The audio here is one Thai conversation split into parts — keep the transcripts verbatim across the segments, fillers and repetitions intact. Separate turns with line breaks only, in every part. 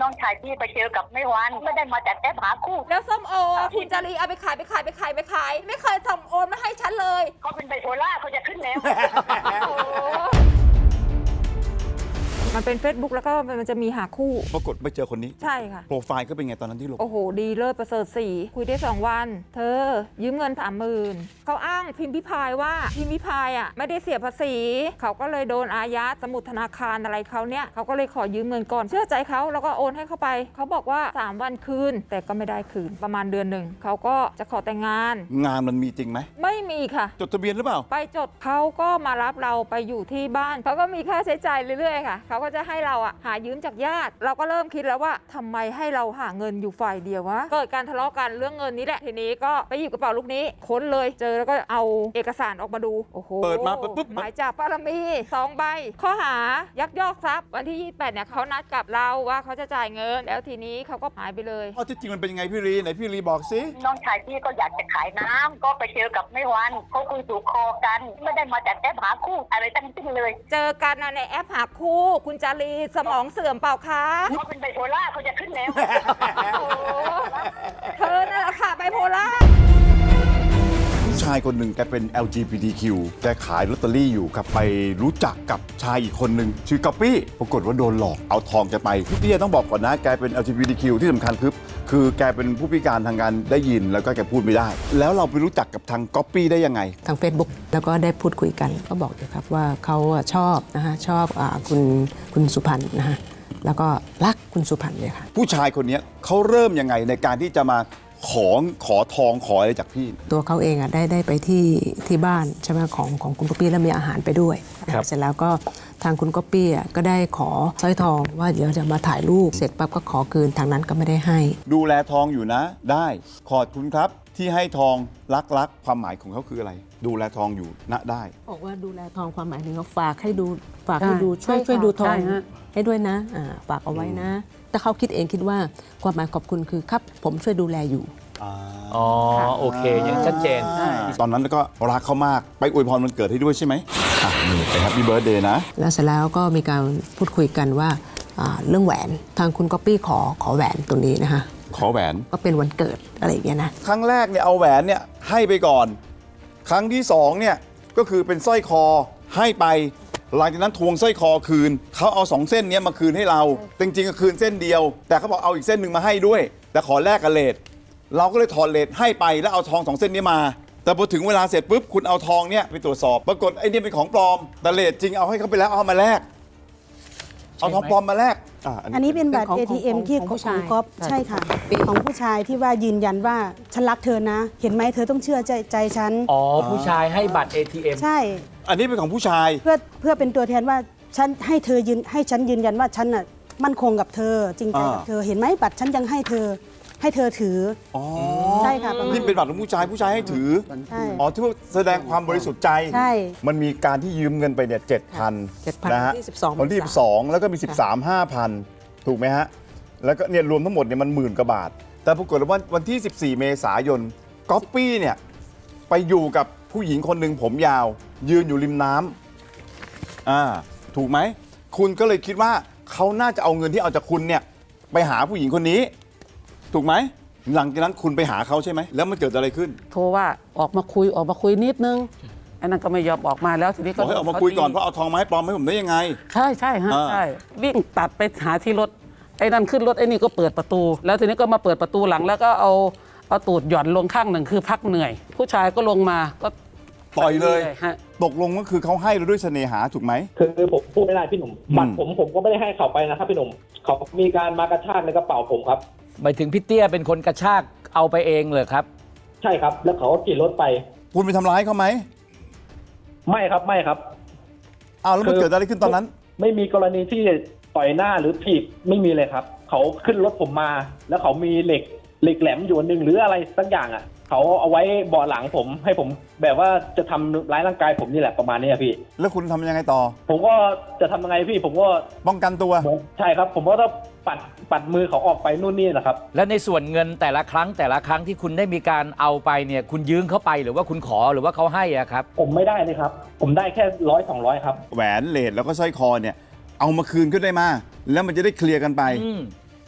น้องชายพี่ไปเจอกับไม่วันไม่ได้มาจากแอปหาคู่
แล้วส้มโอคุณจารีเอาไปขายไปขายไปขายไปขายไม่เคยส่งโอนมาให้ฉันเลย
เขาเป็นไบโพล่าเขาจะขึ้นแล้ว
มันเป็น Facebook แล้วก็มันจะมีหาคู่
ปรากฏไปเจอคนนี้
ใช่ค่ะ
โปรไฟล์ก็เป็นไงตอนนั้นที่ลง
โอ้โหดีเลิศประเสริฐสีคุยได้สองวันเธอยืมเงินสามหมื่นเขาอ้างพิมพ์พิพายว่าพิมพ์พิพายอ่ะไม่ได้เสียภาษีเขาก็เลยโดนอายัดสมุดธนาคารอะไรเขาเนี่ยเขาก็เลยขอยืมเงินก่อนเชื่อใจเขาแล้วก็โอนให้เขาไปเขาบอกว่าสามวันคืนแต่ก็ไม่ได้คืนประมาณเดือนหนึ่งเขาก็จะขอแต่งงาน
งานมันมีจริงไหม
ไม่มีค่ะ
จดทะเบียนหรือเปล่า
ไปจดเขาก็มารับเราไปอยู่ที่บ้านเขาก็มีค่าใช้จ่ายเรื่อยๆค่ะเขาก็จะให้เราอ่ะหายืมจากญาติเราก็เริ่มคิดแล้วว่าทำไมให้เราหาเงินอยู่ฝ่ายเดียววะเกิดการทะเลาะกันเรื่องเงินนี้แหละทีนี้ก็ไปหยิบกระเป๋าลูกนี้ค้นเลยเจอแล้วก็เอาเอกสารออกมาดูโอ้โห
เปิดมาปุ๊บ
หมายจับปารมีสองใบข้อหายักยอกทรัพย์วันที่ยี่สิบแปดเนี่ยเขานัดกับเราว่าเขาจะจ่ายเงินแล้วทีนี้เขาก็หายไปเลย
ข้อที่จริงมันเป็นยังไงพี่ลีไหนพี่ลีบอกสิ
น้องชายพี่ก็อยากจะขายน้ำก็ไปเจอกับไม่วันเขาคุยถูกคอกันไม่ได้มาจากแอปหาคู่อะไรทั้งสิ้นเลย
เจอกันในแอปหาคู่คุณจารีสมองเสื่อมเปล่าคะ
เขาเป็นไบโพล่าเขาจะขึ้นแล้ว
เธอนั่นแหละค่ะไบโพล่า
ผู้ชายคนหนึ่งแกเป็น แอล จี บี ที คิว แกขายลอตเตอรี่อยู่ครับไปรู้จักกับชายอีกคนหนึ่งชื่อก๊อปปี้ปรากฏว่าโดนหลอกเอาทองแกไปพี่เตี้ยต้องบอกก่อนนะแกเป็น แอล จี บี ที คิว ที่สำคัญคือคือแกเป็นผู้พิการทางการได้ยินแล้วก็แกพูดไม่ได้แล้วเราไปรู้จักกับทางก๊อปปี้ได้ยังไง
ทาง Facebook แล้วก็ได้พูดคุยกันก็บอกอยู่ครับว่าเขาชอบนะฮะชอบอคุณคุณสุพรรณนะฮะแล้วก็รักคุณสุพรรณเลยค่ะ
ผู้ชายคนนี้เขาเริ่มยังไงในการที่จะมาขอขอทองขออะไรจากพี่
ตัวเขาเองอ่ะได้ได้ไปที่ที่บ้านใช่ไหมของของคุณก๊อปปี้แล้วมีอาหารไปด้วยเสร็จแล้วก็ทางคุณก๊อปปี้อ่ะก็ได้ขอสร้อยทองว่าเดี๋ยวจะมาถ่ายรูปเสร็จปั๊บก็ขอคืนทางนั้นก็ไม่ได้ให้
ดูแลทองอยู่นะได้ขอบคุณครับที่ให้ทองรักรักความหมายของเขาคืออะไรดูแลทองอยู่ณได้
บอกว่าดูแลทองความหมายถึงเขาฝากให้ดูฝากให้ดูช่วยช่วยดูทองให้ด้วยนะฝากเอาไว้นะแต่เขาคิดเองคิดว่าความหมายขอบคุณคือครับผมช่วยดูแลอยู่
อ๋อโอเคยังชัดเจน
ตอนนั้นก็รักเขามากไปอวยพรวันเกิดให้ด้วยใช่ไหมอ่ะนี่ไปแฮปปี้เบิร์ธเดย์นะ
แล้วเสร็จแล้วก็มีการพูดคุยกันว่าเรื่องแหวนทางคุณก๊อปปี้ขอขอแหวนตรงนี้นะคะ
ขอแหวน
ก็เป็นวันเกิดอะไรอย่างเงี้ยนะ
ครั้งแรกเนี่ยเอาแหวนเนี่ยให้ไปก่อนครั้งที่สองเนี่ยก็คือเป็นสร้อยคอให้ไปหลังจากนั้นทวงสร้อยคอคืนเขาเอาสองเส้นนี้มาคืนให้เราจริงๆก็คืนเส้นเดียวแต่เขาบอกเอาอีกเส้นหนึ่งมาให้ด้วยแต่ขอแลกกับเลทเราก็เลยถอดเลทให้ไปแล้วเอาทองสองเส้นนี้มาแต่พอถึงเวลาเสร็จปุ๊บคุณเอาทองเนี่ยไปตรวจสอบปรากฏไอ้นี่เป็นของปลอมแต่เลทจริงเอาให้เขาไปแล้วเอามาแลกเอาทองปลอมมาแลก
อันนี้เป็นบัตร เอ ที เอ็ม ที่ของก๊อฟใช่ค่ะของผู้ชายที่ว่ายืนยันว่าฉันรักเธอนะเห็นไหมเธอต้องเชื่อใจใจฉัน
อ๋อผู้ชายให้บัตร เอ ที เอ็ม
ใช่
อันนี้เป็นของผู้ชาย
เพื่อเพื่อเป็นตัวแทนว่าฉันให้เธอยืนให้ฉันยืนยันว่าฉันน่ะมั่นคงกับเธอจริงใจกับเธอเห็นไหมบัตรฉันยังให้เธอให้เธอถืออ๋อใช่ค่ะ
นี่เป็นบัตรของผู้ชายผู้ชายให้ถืออ๋อที่ว่าแสดงความบริสุทธิ์ใจ
ใช่
มันมีการที่ยืมเงินไปเนี่ยเจ็ดพันนะฮะ
วัน
ที่สิบสองแล้วก็มีสิบสามห้าพันถูกไหมฮะแล้วก็เนี่ยรวมทั้งหมดเนี่ยมันหมื่นกว่าบาทแต่ปรากฏว่าวันที่สิบสี่เมษายนก๊อปปี้เนี่ยไปอยู่กับผู้หญิงคนหนึ่งผมยาวยืนอยู่ริมน้ำอ่าถูกไหมคุณก็เลยคิดว่าเขาน่าจะเอาเงินที่เอาจากคุณเนี่ยไปหาผู้หญิงคนนี้ถูกไหมหลังจากนั้นคุณไปหาเขาใช่ไหมแล้วมันเกิดอะไรขึ้น
โทรว่าออกมาคุยออกมาคุยนิดนึงไอ้นั่นก็ไม่ยอมออกมาแล้วทีนี้ก็
บอกให้ออกมาคุยก่อนเพราะเอาทองไม้ปลอมให้ผมได้ยังไง
ใช่ใช่ฮะใช่วิ่งตัดไปหาที่รถไอ้นั่นขึ้นรถไอ้นี่ก็เปิดประตูแล้วทีนี้ก็มาเปิดประตูหลังแล้วก็เอาเอาตูดหย่อนลงข้างหนึ่งคือพักเหนื่อยผู้ชายก็ลงมาก็
ต่อยเลยตกลงก็คือเขาให้เราด้วยเสน่หาถูกไหม
คือผมพูดไม่ได้พี่หนุ่มบัตรผมผมก็ไม่ได้ให้เขาไปนะครับพี่หนุ่มเขามีการมากระชากในกระเป๋าผมครับ
หมายถึงพี่เตี้ยเป็นคนกระชากเอาไปเองเลยครับ
ใช่ครับแล้วเขาก็ขี่รถไป
คุณไปทำร้ายเขาไหม
ไม่ครับไม่ครับ
อ้าวแล้วมันเกิดอะไรขึ้นตอนนั้น
ไม่มีกรณีที่ต่อยหน้าหรือถีบไม่มีเลยครับเขาขึ้นรถผมมาแล้วเขามีเหล็กเหล็กแหลมอยู่หนึ่งหรืออะไรสักอย่างอ่ะเขาเอาไว้เบาะหลังผมให้ผมแบบว่าจะทำร้ายร่างกายผมนี่แหละประมาณนี้พี่
แล้วคุณทำยังไงต่อ
ผมก็จะทำยังไงพี่ผมก็
ป้องกันตัว
ใช่ครับผมก็ต้องปัดปัดมือเขาออกไปนู่นนี่แหละครับ
แล้วในส่วนเงินแต่ละครั้งแต่ละครั้งที่คุณได้มีการเอาไปเนี่ยคุณยืมเขาไปหรือว่าคุณขอหรือว่าเขาให้อะครับ
ผมไม่ได้เลยครับผมได้แค่ร้อยสองร้อยครับ
แหวนเลทแล้วก็สร้อยคอเนี่ยเอามาคืนก็ได้มาแล้วมันจะได้เคลียร์กันไป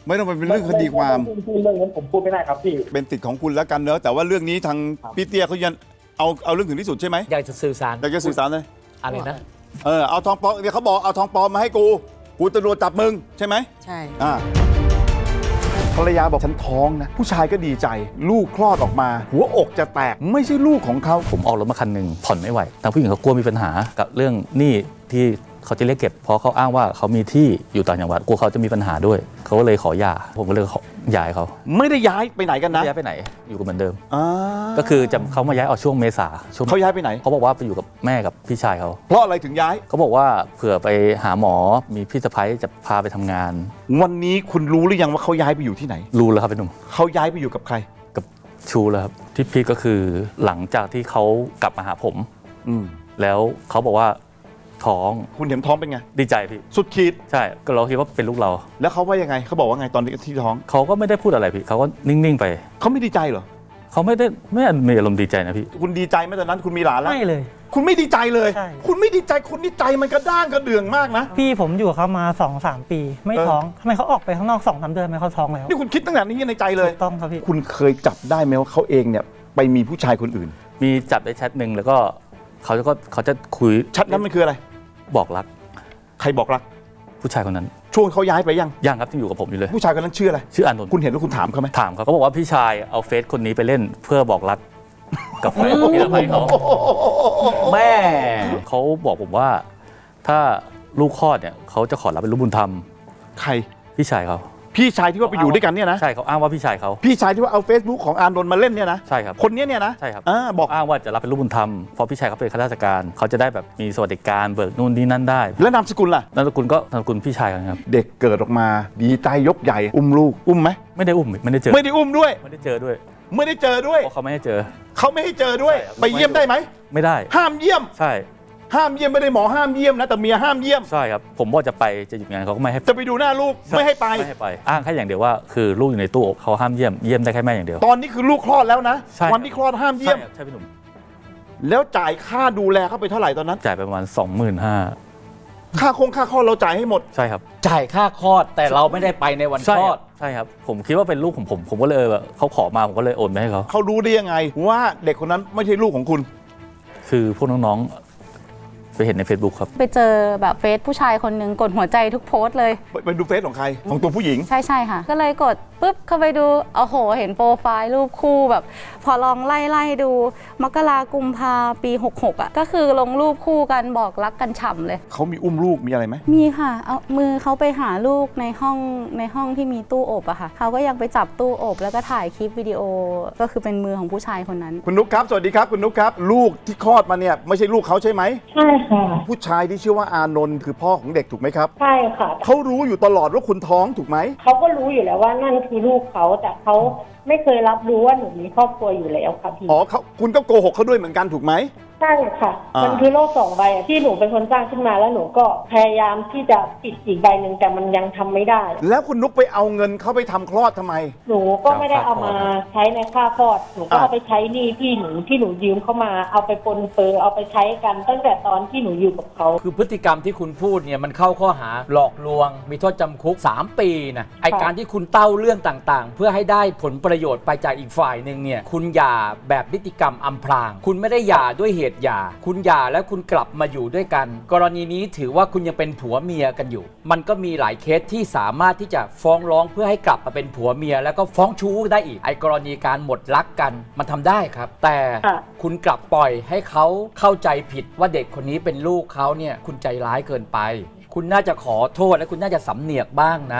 ไม่ต้องไปเป็นเรื่องคดีความ
เรื่องนั้นผมพูดไม่ได้ครับพี่
เป็นสิทธิ์ของคุณแล้วกันเนอะแต่ว่าเรื่องนี้ทางพี่เตี้ยเขายันเอาเอาเรื่องถึงที่สุดใช่ไหม
อยากจะสื่อสาร
อยากจะสื่อสารเลย
อะไรนะ
เออเอาทองปลอมเนี่ยเขาบอกเอาทองปลอมมาให้กูกูตำรวจจับมึงใช่ไหม
ใช่
อ่าภรรยาบอกฉันท้องนะผู้ชายก็ดีใจลูกคลอดออกมา หัวอกจะแตกไม่ใช่ลูกของเขา
ผมออกรถมาคันหนึ่งผ่อนไม่ไหวทางผู้หญิงเขากลัวมีปัญหากับเรื่องหนี้ที่เขาจะเรียกเก็บเพราะเขาอ้างว่าเขามีที่อยู่ต่างจังหวัดกลัวเขาจะมีปัญหาด้วยเขาก็เลยขอหย่าผมก็เลยขอย้ายเขา
ไม่ได้ย้ายไปไหนกันนะ
ย้ายไปไหนอยู่กับเหมือนเดิม
อ่า
ก็คือจะเขามาย้ายออกช่วงเมษาช่วง
เขาย้ายไปไหน
เขาบอกว่าไปอยู่กับแม่กับพี่ชายเขา
เพราะอะไรถึงย้าย
เขาบอกว่าเผื่อไปหาหมอมีพี่สะใภ้จะพาไปทำงาน
วันนี้คุณรู้หรือยังว่าเขาย้ายไปอยู่ที่ไหน
รู้แล้วครับพี่หนุ่ม
เขาย้ายไปอยู่กับใคร
กับชูแล้วครับที่พีคก็คือหลังจากที่เขากลับมาหาผม
อืม
แล้วเขาบอกว่าท้อง
คุณเห็นท้องเป็นไง
ดีใจพี่
สุดขีด
ใช่ก็เราคิดว่าเป็นลูกเรา
แล้วเขาว่ายังไงเขาบอกว่าไงตอนที่ท้อง
เขาก็ไม่ได้พูดอะไรพี่เขาก็นิ่งๆไป
เขาไม่ดีใจเหรอ
เขาไม่ได้ไม่มีอารมณ์ดีใจนะพี่
คุณดีใจไหมตอนนั้นคุณมีหลานแล้ว
ไม่เลย
คุณไม่ดีใจเลย
ใช่
คุณไม่ดีใจคุณนี่ใจมันกระด้างกระเดื่องมากนะ
พี่ผมอยู่กับเขามาสองสามปี ไม่
เออ
ท้องทำไมเขาออกไปข้างนอกสองสามเดือนทำไมเขาท้องแล้ว
นี่คุณคิดตั้งแต่นี้ในใจเลย
ถูกต้องครับพี่
คุณเคยจับได้ไหมว่าเขาเองเนี่ยไปมีผู้ชายคนอื่น
มีจับได้แชทหนึ่งแล้วก็เขาจะก็เขาจะคุย
ชัดนั้นมันคืออะไร
บอกรัก
ใครบอกรัก
ผู้ชายคนนั้น
ช่วงเขาย้ายไปยัง
ยังครับที่อยู่กับผมอยู่เลย
ผู้ชายคนนั้นชื่ออะไร
ชื่ออานนท์
คุณเห็นแล้วคุณถามเขาไหม
ถามเขาเขาบอกว่าพี่ชายเอาเฟซคนนี้ไปเล่นเพื่อบอกรักกับแฟนพี่สะใภ้เขา
แม่
เขาบอกผมว่าถ้าลูกคลอดเนี่ยเขาจะขอรับเป็นลูกบุญธรรม
ใคร
พี่ชายเขา
พี่ชายที่ว่าไปอยู่ด้วยกันเนี่ยนะ
ใช่เขาอ้างว่าพี่ชายเขา
พี่ชายที่ว่าเอา Facebook ของอานนท์มาเล่นเนี่ยนะ
ใช่ครับ
คนเนี้ยเนี่ยนะ
ใช่ครับ
อ่าบอก
อ้างว่าจะรับเป็นลูกบุญธรรมเพราะพี่ชายเขาเป็นข้าราชการเขาจะได้แบบมีสวัสดิการเบิกนู่นนี่นั่นได้
แล้วนามสกุลล่ะ
นามสกุลก็นามสกุลพี่ชายกันครับ
เด็กเกิดออกมาดีใจยกใหญ่อุ้มลูกอุ้มไหม
ไม่ได้อุ้มไม่ได้เจอ
ไม่ได้อุ้มด้วย
ไม่ได้เจอด้วย
ไม่ได้เจอด้วย
เพราะเขาไม่ให้เจอ
เขาไม่ให้เจอด้วย
ใช่ครับ
ไปเยี่ยมได้ไหม
ไม่ได้
ห้ามเยี่ยม
ใช่
ห้ามเยี่ยมไม่ได้หมอห้ามเยี่ยมนะแต่เมียห้ามเยี่ยม
ใช่ครับผมว่าจะไปจะหยุดงานเขาก็ไม่ให้
จะไปดูหน้าลูกไม่ให้ไป
ไม่ให้ไปอ้างแค่อย่างเดียวว่าคือลูกอยู่ในตู้อบเขาห้ามเยี่ยมเยี่ยมได้แค่แม่อย่างเดียว
ตอนนี้คือลูกคลอดแล้วนะ
ใช่
วันที่คลอดห้ามเยี่ยม
ใช่ครับใช่พี่หนุ่ม
แล้วจ่ายค่าดูแลเขาไปเท่าไหร่ตอนนั้น
จ่ายไปประมาณสองหมื่นห้า
ค่าคงค่าคลอดเราจ่ายให้หมด
ใช่ครับ
จ่ายค่าคลอดแต่เราไม่ได้ไปในวัน
ใช่
คล
ค
อ
รั
ด
บใช่ครับผมคิดว่าเป็นลูกของผมผมก็เลยแบบเขาขอมาผมก็เลยโอนไปให้เขา
เขารู้ได้ยังไงว่าเด็กคนนั้นไม่ใช่ลูกของคุณ
คือพวกน้องๆไปเห็นใน Facebook ครับ
ไปเจอแบบเฟซผู้ชายคนหนึ่งกดหัวใจทุกโพสต์เลย
ไปไปดูเฟซของใครของตัวผู้หญิง
ใช่ใช่ค่ะ ก็เลยกดปุ๊บเข้าไปดูโอ้โห เห็นโปรไฟล์รูปคู่แบบ พอลองไล่ไล่ดู มกรากุมภาปีหกหกอ่ะก็คือลงรูปคู่กันบอกรักกันฉ่ำเลย
เขามีอุ้มลูกมีอะไรไหม
มีค่ะ เอามือเขาไปหาลูกในห้องในห้องที่มีตู้อบอะค่ะเขาก็ยังไปจับตู้อบแล้วก็ถ่ายคลิปวิดีโอก็คือเป็นมือของผู้ชายคนนั้น
คุณนุ๊กครับสวัสดีครับคุณนุ๊กครับลูกที่คลอดมาเนี่ยไม่ใช่ลูกเขาใช่ไหม
ใช่ค่ะ
ผู้ชายที่ชื่อว่าอานนท์คือพ่อของเด็กถูกไหมครับ
ใช่ค่ะ
เขารู้อยู่ตลอดว่าคุณท้องถูกไหม
เขาก็รู้อยู่แล้วว่านั่นคือลูกเขาแต่เขาไม่เคยรับรู้ว่าหนูมีครอบครัวอยู่แล้วค่ะพี่
อ๋อเขาคุณก็โกหกเขาด้วยเหมือนกันถูกไหม
ใช่ค่ะ
อ่ามั
มันคือโลกสองใบอะที่หนูเป็นคนสร้างขึ้นมาแล้วหนูก็พยายามที่จะปิดอีกใบหนึ่งแต่มันยังทำไม่ได้
แล้วคุณนุ๊กไปเอาเงินเขาไปทำคลอดทำไม
หนูก็ไม่ได้เอามาใช้ในค่าคลอด หนูก็
อ่า
เอาไปใช้หนี้ที่หนูที่หนูยืมเข้ามา เอาไปปนเปื้อเอาไปใช้กันตั้งแต่ตอนที่หนูอยู่กับเขา
คือพฤติกรรมที่คุณพูดเนี่ยมันเข้าข้อหาหลอกลวง มีโทษจำคุกสามปีนะไอการที่คุณเต้าเรื่องต่างๆ เพื่อให้ได้ผลประโยชน์ไปจากอีกฝ่ายหนึ่งเนี่ยคุณหย่าแบบนิติกรรมอำพราง คุณไม่ได้หย่าด้วยเหตุหย่าคุณหย่าแล้วคุณกลับมาอยู่ด้วยกัน กรณีนี้ถือว่าคุณยังเป็นผัวเมียกันอยู่ มันก็มีหลายเคสที่สามารถที่จะฟ้องร้องเพื่อให้กลับมาเป็นผัวเมียแล้วก็ฟ้องชู้ได้อีกไอกรณีการหมดรักกันมันทำได้ครับ แต่
ค่ะ
คุณกลับปล่อยให้เขาเข้าใจผิดว่าเด็กคนนี้เป็นลูกเขาเนี่ยคุณใจร้ายเกินไป คุณน่าจะขอโทษและคุณน่าจะสำเนียกบ้างนะ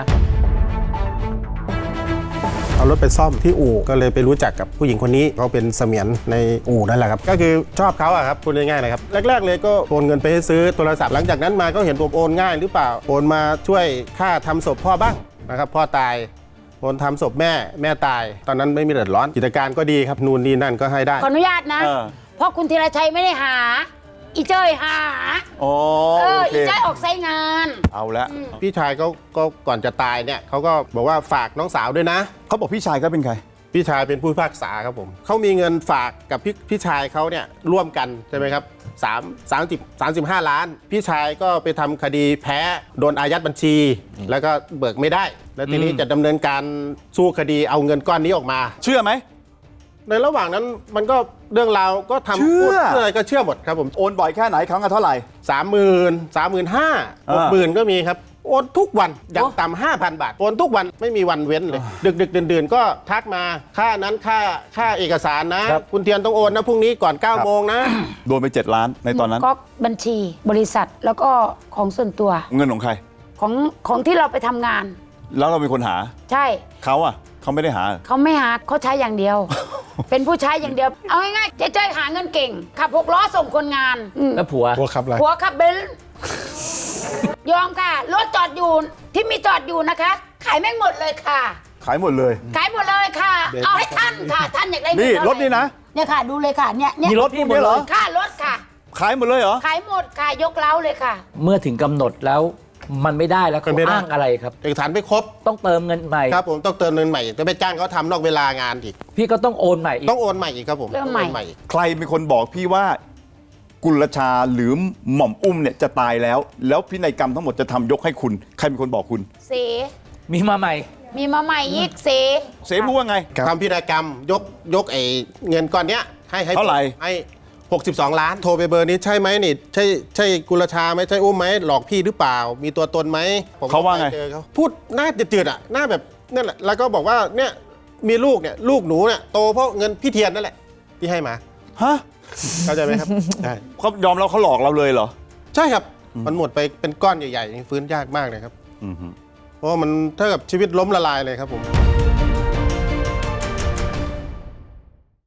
เอารถไปซ่อมที่อู่ก็เลยไปรู้จักกับผู้หญิงคนนี้เขาเป็นเสมียนในอู่นั่นแหละครับก็คือชอบเขาอะครับพูดง่ายๆเลยครับแรกๆเลยก็โอนเงินไปให้ซื้อโทรศัพท์หลังจากนั้นมาก็เห็นผมโอนง่ายหรือเปล่าโอนมาช่วยค่าทำศพพ่อบ้างนะครับพ่อตายโอนทำศพแม่แม่ตายตอนนั้นไม่มีเดือดร้อนกิจการก็ดีครับนู่นนี่นั่นก็ให้ได้
ขออนุญาตนะ
เออ
เพราะคุณธีรชัยไม่ได้หา อีเจ้ยหา
อ๋อ
เออ
โอเค
อีเจ้ยออกไซต์งาน
เอาละ
พี่ชายเขาก็ก่อนจะตายเนี่ยเขาก็บอกว่าฝากน้องสาวด้วยนะ
เขาบอกพี่ชายเขาเป็นใคร
พี่ชายเป็นผู้พิพากษาครับผมเขามีเงินฝากกับพี่พี่ชายเขาเนี่ยร่วมกันใช่ไหมครับสามสามสิบสามสิบห้าล้าน พี่ชายก็ไปทำคดีแพ้โดนอายัดบัญชี แล้วก็เบิกไม่ได้แล้วทีนี้
อืม
จะดำเนินการสู้คดีเอาเงินก้อนนี้ออกมา
เชื่อไหม
ในระหว่างนั้นมันก็เรื่องราวก็ทำ
เชื่อ
พูดเชื่ออะไรก็เชื่อหมดครับผม
โอนบ่อยแค่ไหนครั้งละเท่าไหร่
สามหมื่นสามหมื่นห้าหกหมื่นก็มีครับโอนทุกวันอย่างต่ำห้าพันบาทโอนทุกวันไม่มีวันเว้นเลย ดึกดึกเดื่นๆก็ทักมาค่านั้นค่าค่าเอกสารนะ คุณเทียนต้องโอนนะพรุ่งนี้ก่อน9ก้าโมงนะ
โดนไปเจ็ดล้านในตอนนั้น
ก็บัญชีบริษัทแล้วก็ของส่วนตัว
เงินของใคร
ของของที่เราไปทำงาน
แล้วเราเป็นคนหา
ใช่
เขาอะเขาไม่ได้หา
เขาไม่หาเขาใช้อย่างเดียว เป็นผู้ใช้อย่างเดียว เอาง่ายๆเจ๊จ้อยหาเงินเก่ง ขับหกล้อส่งคนงานอืม
แล้วผัว
ผัวขับอะไร
ผัวขับเบนซ์ยอมค่ะรถจอดอยู่ที่มีจอดอยู่นะคะ ขายแม่งหมดเลยค่ะ
ขายหมดเลย
ขายหมดเลยค่ะ
เบนซ์
เอาให้ท่านค่ะ ท่านอยากได้
นี่
เงิเท่าไห
รถนี่นะ
เนี่ยค่ะ ดูเลยค่ะเนี่ยเนี่ย
มีรถพวกนี้เหรอ
ค่ะรถค่ะ
ขายหมดเลยเหรอ
ขายหมดค่ะยกเล้าเลยค่ะ
เมื่อถึงกำหนดแล้วมันไม่ได้แล้วเขา
มันไม่ได้
อ้างอะไรครับ
เอกสารไม่ครบ
ต้องเติมเงินใหม่
ครับผมต้องเติมเงินใหม่จะไปจ้างเขาทำนอกเวลางานอีก
พี่ก็ต้องโอนใหม่อีก
ต้องโอนใหม่อีกครับผม
เริ่มใหม่
ต้องโอนอีก
ใครเป็นคนบอกพี่ว่า กุลชาหรือหม่อมอุ้มเนี่ยจะตายแล้ว แล้วพินัยกรรมทั้งหมดจะทำยกให้คุณ ใครเป็นคนบอกคุณ
เส
มีมาใหม่
มีมาใหม่อีกเส
เสพูดว่าไง
ทำพินัยกรรมยกยกไอ้เงินก้อนเนี้ยให้ให้
เท่าไหร่
ให้หกสิบสองล้านโทรไปเบอร์นี้ใช่ไหมนี่ใช่ใช่กุลชาไหมใช่อุ้มไหมหลอกพี่หรือเปล่า มีตัวตนไหมผมก็
เขาว่าไง
ปเจอเขาพูดหน้าจืดๆอ่ะหน้าแบบนั่นแหละแล้วก็บอกว่าเนี่ยมีลูกเนี่ยลูกหนูเนี่ยโตเพราะเงินพี่เทียนนั่นแหละที่ให้มา
ฮะ
เข้าใจไหมครับ ใช่
เขายอมแล้วเขาหลอกเราเลยเหรอ
ใช่ครับมันหมดไปเป็นก้อนใหญ่ๆฟื้นยากมากเลยครับ
อือฮึ
เพราะว่ามันเท่ากับชีวิตล้มละลายเลยครับผม